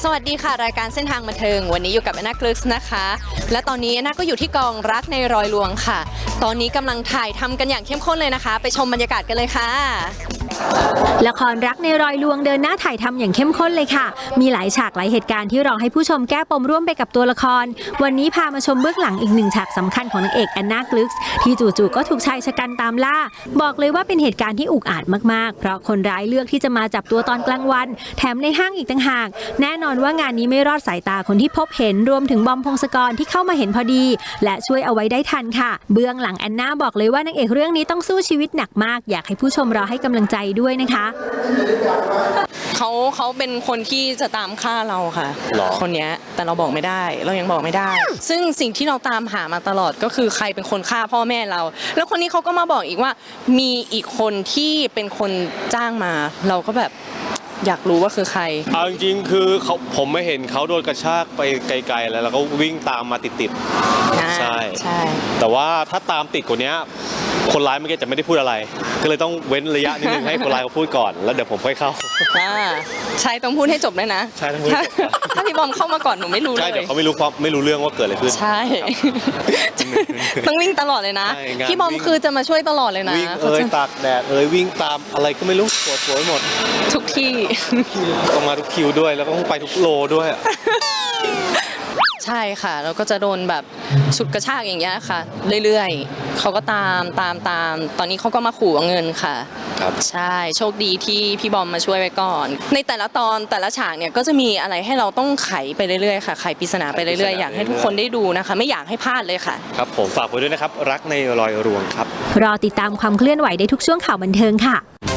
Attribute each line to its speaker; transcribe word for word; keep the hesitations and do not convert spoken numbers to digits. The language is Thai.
Speaker 1: วัสดีค่ะรายการเส้นทางบันเทิงวันนี้อยู่กับแอนนากลึกส์นะคะและตอนนี้แอนนาก็อยู่ที่กองรักในรอยลวงค่ะตอนนี้กำลังถ่ายทำกันอย่างเข้มข้นเลยนะคะไปชมบรรยากาศกันเลยค่ะ
Speaker 2: ละครรักในรอยลวงเดินหน้าถ่ายทำอย่างเข้มข้นเลยค่ะมีหลายฉากหลายเหตุการณ์ที่รอให้ผู้ชมแก้ปมร่วมไปกับตัวละครวันนี้พามาชมเบื้องหลังอีกหนึ่งฉากสำคัญของนางเอกแอนนากลึกส์ที่จู่ๆก็ถูกชายชะกันตามล่าบอกเลยว่าเป็นเหตุการณ์ที่อุกอาจมากๆเพราะคนร้ายเลือกที่จะมาจับตัวตอนกลางวันแถมในห้างอีกต่างหากแน่นอนว่างานนี้ไม่รอดสายตาคนที่พบเห็นรวมถึงบอมพงศกรที่เข้ามาเห็นพอดีและช่วยเอาไว้ได้ทันค่ะเบื้องหลังแอนนาบอกเลยว่านางเอกเรื่องนี้ต้องสู้ชีวิตหนักมากอยากให้ผู้ชมรอให้กำลังใจด้วยนะคะ
Speaker 1: เขาเขาเป็นคนที่จะตามฆ่าเราค่ะคนนี้แต่เราบอกไม่ได้เรายังบอกไม่ได้ซึ่งสิ่งที่เราตามหามาตลอดก็คือใครเป็นคนฆ่าพ่อแม่เราแล้วคนนี้เขาก็มาบอกอีกว่ามีอีกคนที่เป็นคนจ้างมาเราก็แบบอยากรู้ว่าคือใคร
Speaker 3: เอาจริงๆคือเขาผมไม่เห็นเขาโดนกระชากไปไกลๆแล้วแล้วก็วิ่งตามมาติดๆใช่ใช่แต่ว่าถ้าตามติดกว่านี้คนร้ายเมื่อกี้จะไม่ได้พูดอะไรก็เลยต้องเว้นระยะนิดนึงให้คนร้ายเขาพูดก่อนแล้วเดี๋ยวผมค่อยเข้า
Speaker 1: ใช่ต้องพูดให้จบด้วยนะ
Speaker 3: ใช่ต้องพูด
Speaker 1: ถ้าพี่บอมเข้ามาก่อนหนูไม่รู้เลย
Speaker 3: ใช่เดี๋ยวเขาไม่รู้ความไม่รู้เรื่องว่าเกิดอะไรขึ้น
Speaker 1: ใช่ต้องวิ่งตลอดเลยนะพี่บอมคือจะมาช่วยตลอดเลยนะ
Speaker 3: วิ่งเอ้ยตากแดดเอ้ยวิ่งตามอะไรก็ไม่รู้ปวดหัวไปหมด
Speaker 1: ทุกที่
Speaker 3: ต้องมาทุกคิวด้วยแล้วก็ต้องไปทุกโลด้วย
Speaker 1: ใช่ค่ะแล้วก็จะโดนแบบฉุดกระชากอย่างเงี้ยค่ะเรื่อยๆเขาก็ตามตามตามตอนนี้เขาก็มาขู่เอาเงินค่ะ
Speaker 3: ครับ
Speaker 1: ใช่โชคดีที่พี่บอมมาช่วยไว้ก่อนในแต่ละตอนแต่ละฉากเนี่ยก็จะมีอะไรให้เราต้องไขไปเรื่อยๆค่ะไขปริศนาไปเรื่อยๆอยากให้ทุกคนได้ดูนะคะไม่อยากให้พลาดเลยค่ะ
Speaker 3: ครับผมฝากไว้ด้วยนะครับรักในรอยรวงครับ
Speaker 2: รอติดตามความเคลื่อนไหวได้ทุกช่วงข่าวบันเทิงค่ะ